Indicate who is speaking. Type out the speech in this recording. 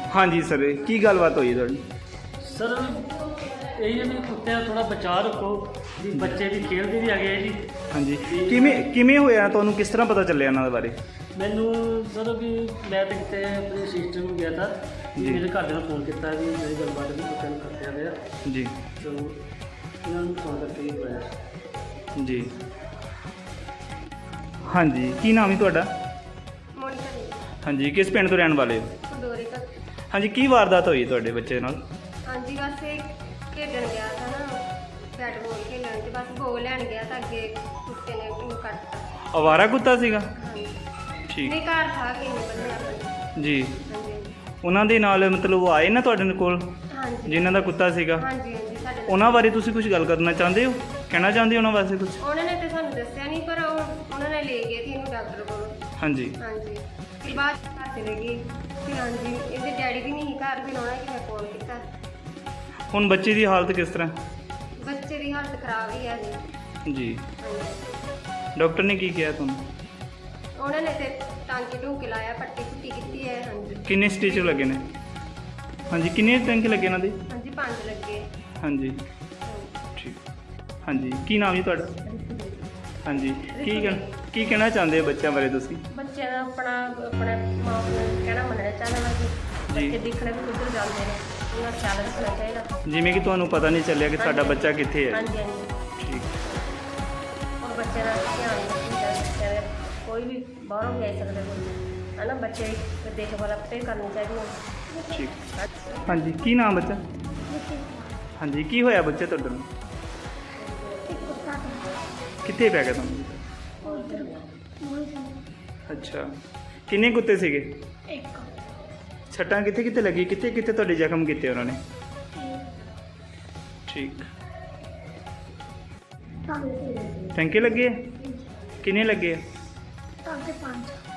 Speaker 1: हाँ जी सर, की गलबात हुई थोड़ी?
Speaker 2: सर यही है भी कुत्ते का थोड़ा बचाव रखो जी, बच्चे भी खेलते भी आ गए जी।
Speaker 1: हाँ जी, किमें होया तुहानू, किस तरह पता चलिया इन्हां दे बारे?
Speaker 2: मैनू सर भी मैं तो कितने अपने सिस्टर को गया था
Speaker 1: जी।
Speaker 2: मेरे घर ने फोन किया भी मेरी गलबात भी कुत्ते करते गया
Speaker 1: जी
Speaker 2: तो इन्होंने फोन करके ही बुलाया
Speaker 1: जी। हाँ जी, की नाम है तुहाडा?
Speaker 3: ਮੋਨਿਕਾ ਦੀ
Speaker 1: हाँ जी, किस पिंड तो रहने वाले हो?
Speaker 3: ਖਡੋਰੇ ਤੱਕ।
Speaker 1: हाँ जी, की वारदात हुई तुहाडे बच्चे नाल?
Speaker 3: ਹਾਂਜੀ ਬਸ ਇਹ ਖੇਡਣ ਗਿਆ था ना बैट बॉल खेलन ਤੇ बस बॉल ਲੈਣ ਗਿਆ ਤਾਂ ਅੱਗੇ ਕੁੱਤੇ ਨੇ ਉਹਨੂੰ ਕੱਟਤਾ।
Speaker 1: आवारा कुत्ता सीगा?
Speaker 3: ਹਾਂਜੀ
Speaker 1: ठीक
Speaker 3: ਨਹੀਂ ਘਰ ਥਾ ਕਿ ਨਹੀਂ ਬੰਨਿਆ ਆਪਣਾ।
Speaker 1: जी।
Speaker 3: ਹਾਂਜੀ
Speaker 1: ਉਹਨਾਂ ਦੇ ਨਾਲ ਮਤਲਬ ਉਹ ਆਏ ਨਾ ਤੁਹਾਡੇ ਕੋਲ
Speaker 3: ਹਾਂਜੀ
Speaker 1: ਜਿਨ੍ਹਾਂ ਦਾ ਕੁੱਤਾ ਸੀਗਾ,
Speaker 3: ਹਾਂਜੀ ਹਾਂਜੀ ਸਾਡੇ ਨਾਲ।
Speaker 1: ਉਹਨਾਂ ਬਾਰੇ ਤੁਸੀਂ ਕੁਝ ਗੱਲ ਕਰਨਾ ਚਾਹੁੰਦੇ ਹੋ, ਕਹਿਣਾ ਚਾਹੁੰਦੇ ਹੋ ਉਹਨਾਂ ਵਾਸਤੇ ਕੁਝ?
Speaker 3: ਉਹਨਾਂ ਨੇ ਤੇ ਸਾਨੂੰ ਦੱਸਿਆ ਨਹੀਂ ਪਰ ਉਹਨਾਂ ਨੇ ਲੈ ਗਏ ਸੀ ਇਹਨੂੰ ਡਾਕਟਰ ਕੋਲ।
Speaker 1: ਹਾਂਜੀ
Speaker 3: ਹਾਂਜੀ ਫਿਰ ਬਾਅਦ 'ਚ ਘਰ ਚਲੇ ਗਏ ਫਿਰ ਹਾਂਜੀ ਇਹਦੇ ਡੈਡੀ ਵੀ ਨਹੀਂ ਸੀ ਘਰ ਫਿਰ ਉਹਨਾਂ ਨੇ ਫੋਨ ਕੀਤਾ।
Speaker 1: ਹੁਣ ਬੱਚੇ ਦੀ ਹਾਲਤ ਕਿਸ ਤਰ੍ਹਾਂ?
Speaker 3: ਬੱਚੇ ਦੀ ਹਾਲਤ ਖਰਾਬ ਹੀ ਹੈ ਜੀ।
Speaker 1: ਜੀ।
Speaker 3: ਹਾਂਜੀ
Speaker 1: ਡਾਕਟਰ ਨੇ ਕੀ ਕਿਹਾ ਤੁਹਾਨੂੰ?
Speaker 3: ਉਹਨਾਂ ਨੇ ਤੇ ਟਾਂਕੇ ਢੂਕੇ ਲਾਇਆ ਪੱਟੀ ਪੁੱਟੀ ਕੀਤੀ ਹੈ। ਹਾਂਜੀ
Speaker 1: ਕਿੰਨੇ ਸਟਿਚ ਲੱਗੇ ਨੇ? ਹਾਂਜੀ, ਕਿੰਨੇ ਟੈਂਕ ਲੱਗੇ ਇਹਨਾਂ ਦੇ?
Speaker 3: ਹਾਂਜੀ 5 ਲੱਗੇ।
Speaker 1: ਹਾਂਜੀ
Speaker 3: ਹਾਂਜੀ।
Speaker 1: ਠੀਕ। ਹਾਂਜੀ, ਕੀ ਨਾਮ ਹੈ ਤੁਹਾਡਾ? ਹਾਂਜੀ, ਕੀ ਕਹਿਣਾ ਚਾਹੁੰਦੇ ਹੋ ਬੱਚਿਆਂ ਬਾਰੇ ਤੁਸੀਂ?
Speaker 3: ਬੱਚਿਆਂ ਦਾ ਆਪਣੇ ਮਾਂ ਪਿਓ ਨੂੰ ਕਹਿਣਾ ਮੰਨਣਾ ਚਾਹੀਦਾ ਵਾ ਕਿ
Speaker 1: ਜੀ।
Speaker 3: ਬੱਚੇ ਦੇਖਣੇ ਵੀ ਕਿੱਧਰ ਜਾਂਦੇ ਨੇ ਉਹਨਾਂ ਦਾ ਖਿਆਲ ਰੱਖਣਾ ਚਾਹੀਦਾ।
Speaker 1: ਜਿਵੇਂ ਕਿ ਤੁਹਾਨੂੰ ਪਤਾ ਨਹੀਂ ਚੱਲਿਆ ਕਿ ਸਾਡਾ ਬੱਚਾ ਕਿੱਥੇ ਹੈ।
Speaker 3: ਹਾਂਜੀ ਹਾਂਜੀ
Speaker 1: ਠੀਕ।
Speaker 3: ਔਰ ਬੱਚੇ ਦਾ ਧਿਆਨ ਰੱਖਣਾ ਚਾਹੀਦਾ। ਕੋਈ ਵੀ ਬਾਹਰੋਂ ਵੀ ਆ ਸਕਦਾ ਕੋਈ ਹੈ ਨਾ, ਬੱਚੇ ਦੀ ਦੇਖਭਾਲ ਆਪੇ ਕਰਨੀ ਚਾਹੀਦੀ ਹੈ।
Speaker 1: ਠੀਕ। ਹਾਂਜੀ, ਕੀ ਨਾਮ ਬੱਚਾ? ਹਾਂਜੀ, ਕੀ ਹੋਇਆ ਬੱਚੇ ਤੁਹਾਡੇ ਨੂੰ? ਕਿੱਥੇ ਪੈ ਗਿਆ ਤੁਹਾਨੂੰ? ਅੱਛਾ, ਕਿੰਨੇ ਕੁੱਤੇ ਸੀਗੇ? ਛੱਟਾਂ ਕਿੱਥੇ ਕਿੱਥੇ ਲੱਗੀ, ਕਿੱਥੇ ਕਿੱਥੇ ਤੁਹਾਡੇ ਜ਼ਖਮ ਕੀਤੇ ਉਹਨਾਂ ਨੇ? ਠੀਕ। ਟੈਂਕੇ ਲੱਗੇ ਆ? ਕਿੰਨੇ ਲੱਗੇ ਆ?